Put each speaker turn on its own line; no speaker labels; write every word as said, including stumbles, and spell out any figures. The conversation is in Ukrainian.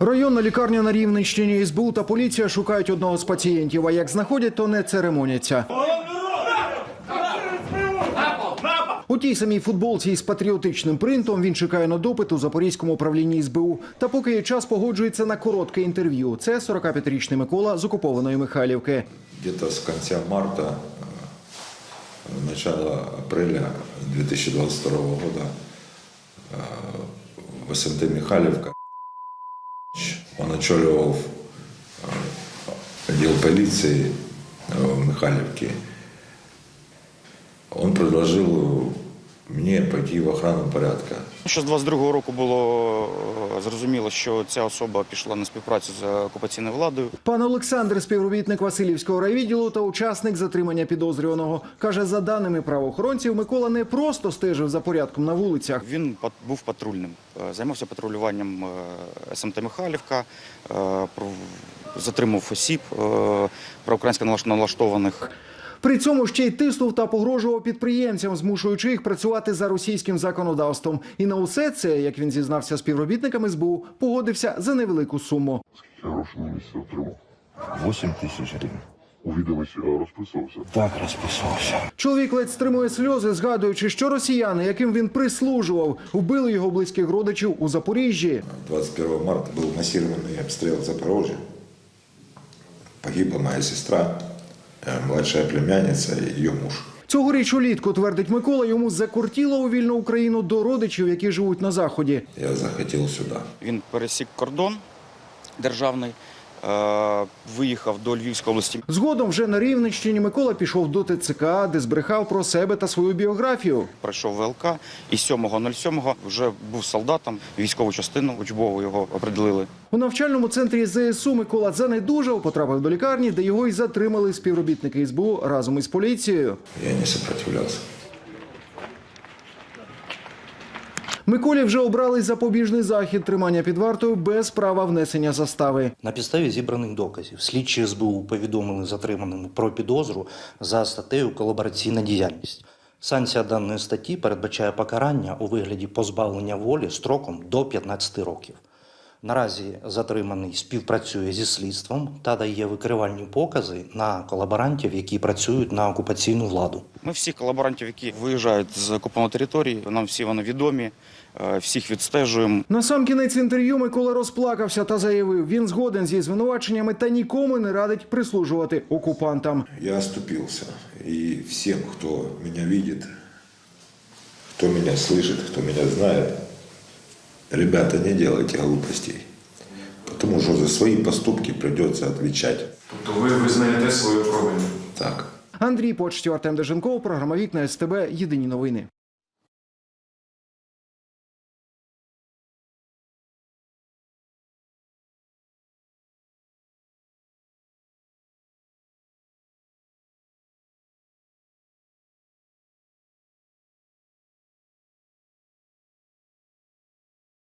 Районна лікарня на Рівненщині. ес бе у та поліція шукають одного з пацієнтів, а як знаходять, то не церемоняться. У тій самій футболці із патріотичним принтом він чекає на допит у Запорізькому управлінні ес бе у. Та поки є час, погоджується на коротке інтерв'ю. Це сорокап'ятирічний Микола з окупованої Михайлівки.
Где-то с конца марта, начала апреля две тысячи двадцать второго года в эс эм тэ Михайлівка он очоливал отдел полиции в Михайлівке. Он предложил мені пойти в охрану порядку.
Ще з двадцять другого року було зрозуміло, що ця особа пішла на співпрацю з окупаційною владою.
Пан Олександр – співробітник Василівського райвідділу та учасник затримання підозрюваного. Каже, за даними правоохоронців, Микола не просто стежив за порядком на вулицях.
Він був патрульним, займався патрулюванням ес ем те Михайлівка, затримав осіб проукраїнсько налаштованих.
При цьому ще й тиснув та погрожував підприємцям, змушуючи їх працювати за російським законодавством. І на усе це, як він зізнався співробітникам ес бе у, погодився за невелику суму.
Скільки грошей на місці отримав?
вісім тисяч гривень.
У відомості розписувався?
Так, розписувався.
Чоловік ледь стримує сльози, згадуючи, що росіяни, яким він прислужував, вбили його близьких родичів у Запоріжжі.
двадцать первого марта був масований обстріл Запоріжжя. Погибла моя сестра, младша племянниця і її муж.
Цьогоріч улітку, твердить Микола, йому закортіло у вільну Україну до родичів, які живуть на Заході.
Я захотів сюди.
Він пересік кордон державний, виїхав до Львівської області.
Згодом вже на Рівненщині Микола пішов до те це ка, де збрехав про себе та свою біографію.
Пройшов ве ел ка і сьомого нуль сьомого вже був солдатом, військову частину учбову його определили.
У навчальному центрі зе ес у Микола занедужав, потрапив до лікарні, де його й затримали співробітники ес бе у разом із поліцією.
Я не сопротивлявся.
Миколі вже обрали запобіжний захід тримання під вартою без права внесення застави.
На підставі зібраних доказів слідчі ес бе у повідомили затриманому про підозру за статтею «Колабораційна діяльність». Санкція даної статті передбачає покарання у вигляді позбавлення волі строком до п'ятнадцяти років. Наразі затриманий співпрацює зі слідством та дає викривальні покази на колаборантів, які працюють на окупаційну владу.
Ми всіх колаборантів, які виїжджають з окупованої території, нам всі вони відомі, всіх відстежуємо.
На сам кінець інтерв'ю Микола розплакався та заявив, він згоден зі звинуваченнями та нікому не радить прислужувати окупантам.
Я оступився. І всім, хто мене бачить, хто мене слышит, хто мене знає, ребята, не делайте глупостей, потому что за свои поступки придется отвечать.
Тобто ви визнаєте свою провину?
Так.
Андрій Почтів, Артем Деженков, програма «Вікна ес те бе», єдині новини.